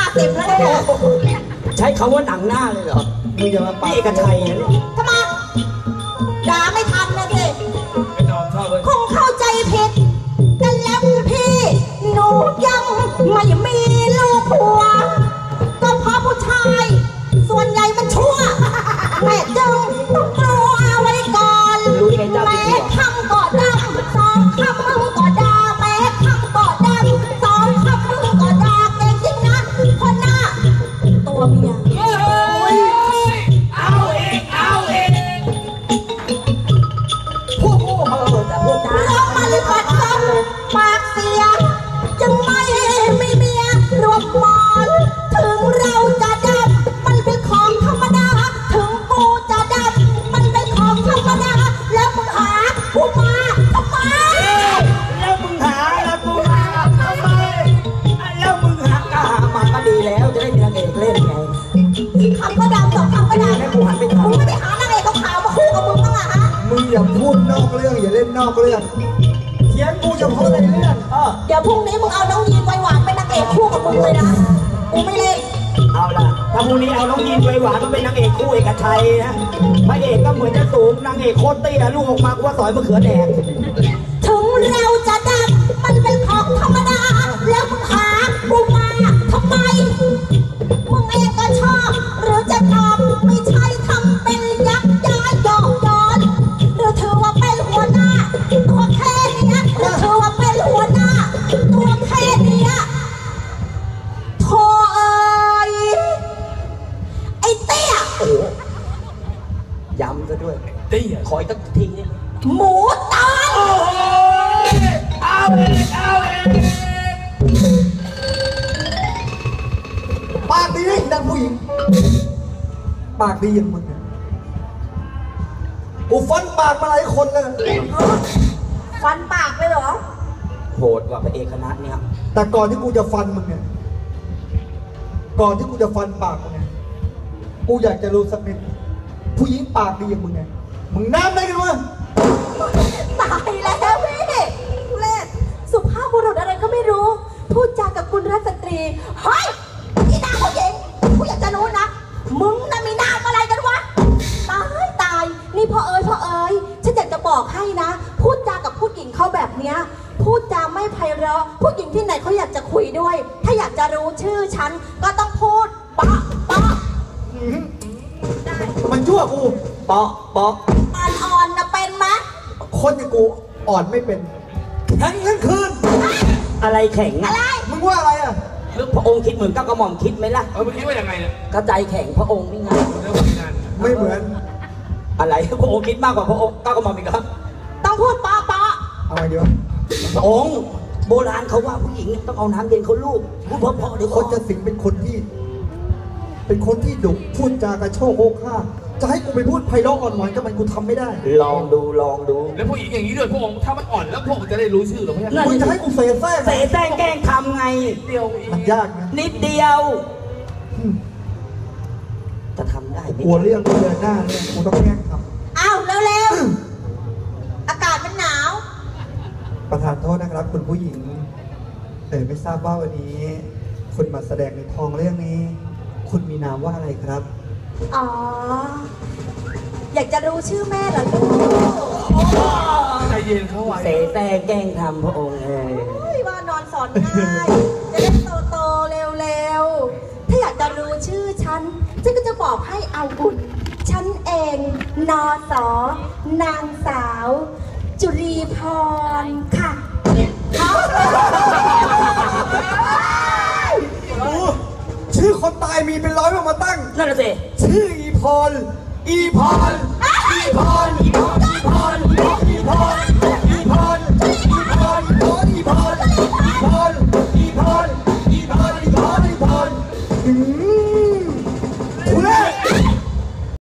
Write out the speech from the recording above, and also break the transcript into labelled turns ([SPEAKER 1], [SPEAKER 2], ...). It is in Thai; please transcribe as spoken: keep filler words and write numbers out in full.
[SPEAKER 1] สิบแล้วเนี่ย
[SPEAKER 2] ใช้คำว่าหนังหน้าเลยเหรอ
[SPEAKER 3] มึงอย่ามาปาก
[SPEAKER 2] เอกชัยนะ
[SPEAKER 1] ทำไมด่าไม่ทันนะสิคงเข้าใจผิดกันแล้วพี่หนูยังไม่มีลูกผัวก็เพราะผู้ชายส่วนใหญ่มันชั่วแม่จึงต้องกลัวไว้ก่อนแม่คำก่อดำสองคำมึงก่อดาแม่คำก่อดำสองคำมึงก่อดาเก่งจริงนะคนหน้าตัวเมีย
[SPEAKER 2] เอาเองเอาเองพวกกูเออแต่พวกจ้า
[SPEAKER 1] เรามาลิบัดกันปากเสียจึงไม่มีเมียรวมมอนถึงเราจะดำมันเป็นของธรรมดาถึงกูจะดำมันเป็นของธรรมดาแล้วมึงหากูมาทำไม
[SPEAKER 2] แล้วมึงหาแล้วกูมาทำไมแล้วมึงหาก็หามาก็ดีแล้วจะได้มีนางเอกเล่นไง
[SPEAKER 1] คำก็ดำสองคำก็ดำ
[SPEAKER 2] แล้วกูหันไปถาม
[SPEAKER 1] มึงไม่ได้หานางเอกขาวมาคู่กับมึงบ้างอะฮะ
[SPEAKER 3] มึงอย่าพูดนอกเรื่องอย่าเล่นนอกเรื่องเขียนกูเฉพาะในเรื่อง
[SPEAKER 1] เดี๋ยวพรุ่งนี้มึงเอาน้องยีนไวหวานเป็นนางเอกคู่กับมึงเลยนะกูไม่เล่น
[SPEAKER 2] เอาล่ะถ้าพรุ่งนี้เอาน้องยีนไวหวานมาเป็นนางเอกคู่เอกชัยนะพระเอกก็เหมือนจะสูงนางเอกโคตรเตี้ยลูกออกมากูว่าสอยมะเขือแดง
[SPEAKER 1] ถึงเราจะดำมันเป็นของธรรมดาแล้วมึงหากูมาทำไมมึงเองก็ชอบหรือจะตอบไม่ใช่ทำเป็นยักย้ายหยอกย้อนหรือถือว่าเป็นหัวหน้าตัวแค่นี้หรือถือว่าเป็นหัวหน้าตัวแค่นี้โธ่เอ้ยไอ้เตี้ย
[SPEAKER 2] ย้ำซะด้วยเตี้ยขออีกสักทีนี่
[SPEAKER 1] หมูตาย
[SPEAKER 2] เอาเองเอาเอง
[SPEAKER 3] ปากดีนะดังผู้หญิงปากดีอย่างมึงเนี่ยกูฟันปากมาหลายคนแล้ว
[SPEAKER 1] ฟันปากเลยเหรอ
[SPEAKER 2] โหดกว่าพระเอกคณะเนี่ย
[SPEAKER 3] แต่ก่อนที่กูจะฟันมึงเนี่ยก่อนที่กูจะฟันปากมึงเนี่ยกูอยากจะรู้สักนิดผู้หญิงปากดีอย่างมึงเนี่ยมึงน้ำได้กันวะ
[SPEAKER 1] ตายแล้วพี่เล่นสุภาพบุรุษอะไรก็ไม่รู้พูดจากับคุณรัชตรีเฮ้ยอีนางผู้หญิงกูอยากจะรู้นะมึงน่ะมีนามอะไรกันวะตายตายนี่พ่อเอ๋ยพ่อเอ๋ยฉันอยากจะบอกให้นะพูดจากับผู้หญิงเขาแบบเนี้ยพูดจาไม่ไพเราะผู้หญิงที่ไหนเขาอยากจะคุยด้วยถ้าอยากจะรู้ชื่อฉันก็ต้องพูดปะปะ
[SPEAKER 3] มันชั่วกูปะปะ
[SPEAKER 1] อ่อนๆนะเป็นไหม
[SPEAKER 3] คนอย่างกูอ่อนไม่เป็นแข็งทั้งคืน
[SPEAKER 2] อะไรแข็ง
[SPEAKER 1] อะไร
[SPEAKER 3] มึงว่าอะไรอ่ะ
[SPEAKER 2] พระองค์คิดเหมือนก้าวกระหม่อมคิดไหมล่ะ
[SPEAKER 4] เออมึงคิดว่ายังไงเนี่ย
[SPEAKER 2] กระใจแข็งพระองค์นี่ไง
[SPEAKER 3] ไม่เหมือน
[SPEAKER 2] อะไรพระองค์คิดมากกว่าพระองค์ก้าวกระหม่อมอีกครับ
[SPEAKER 1] ต้องพูดปะปะ
[SPEAKER 3] อะไรเดี๋ยว
[SPEAKER 2] พระองค์โบราณเขาว่าผู้หญิงต้องเอาน้ำเย็นเขาลูกพูดเพราะๆเดี๋ยว
[SPEAKER 3] คนจะสิงเป็นคนที่เป็นคนที่ดุพูดจากระโชกโคกข้าจะให้กูไปพูดไพเราะอ่อนหวานกับมันกูทำไม่ได้
[SPEAKER 2] ลองดูลองดู
[SPEAKER 4] แล้วผู้หญิงอย่างนี้ด้วยพระองค์ถ้ามันอ่อนแล้วพระองค์จะได้รู้ชื่อหรือไม่
[SPEAKER 3] มึงจะให้กูเสแสร้ง
[SPEAKER 2] เสแสร้งแกล้งทำไง
[SPEAKER 4] เดียว
[SPEAKER 3] มันยากนะ
[SPEAKER 2] นิดเดียวจะทำได้ไหม
[SPEAKER 3] กลัวเรื่องกูเดินหน้าเนี่ยกูต้องแกล้งท
[SPEAKER 1] ำอ้าวเร็วๆอากาศมันหนาว
[SPEAKER 3] ประธานโทษนะครับคุณผู้หญิงเออไม่ทราบว่าวันนี้คุณมาแสดงในทองเรื่องนี้คุณมีนามว่าอะไรครับ
[SPEAKER 1] อ๋ออยากจะรู้ชื่อแม่เหรอลู
[SPEAKER 4] กใจเย็นเขาไว้
[SPEAKER 2] เสแสร้งแกล้งทำพระองค์
[SPEAKER 1] เลยว่านอนสอนง่ายจะได้โตโตเร็วๆถ้าอยากจะรู้ชื่อฉันฉันก็จะบอกให้เอาบุญฉันเองนอสอนางสาวจุรีพรค่ะ
[SPEAKER 3] ชื่อคนตายมีเป็นร้อยมาตั้ง
[SPEAKER 2] นั่นแหละสิ
[SPEAKER 3] ชื่ออีพรอีพรอีพรอีพรอีพรอีพร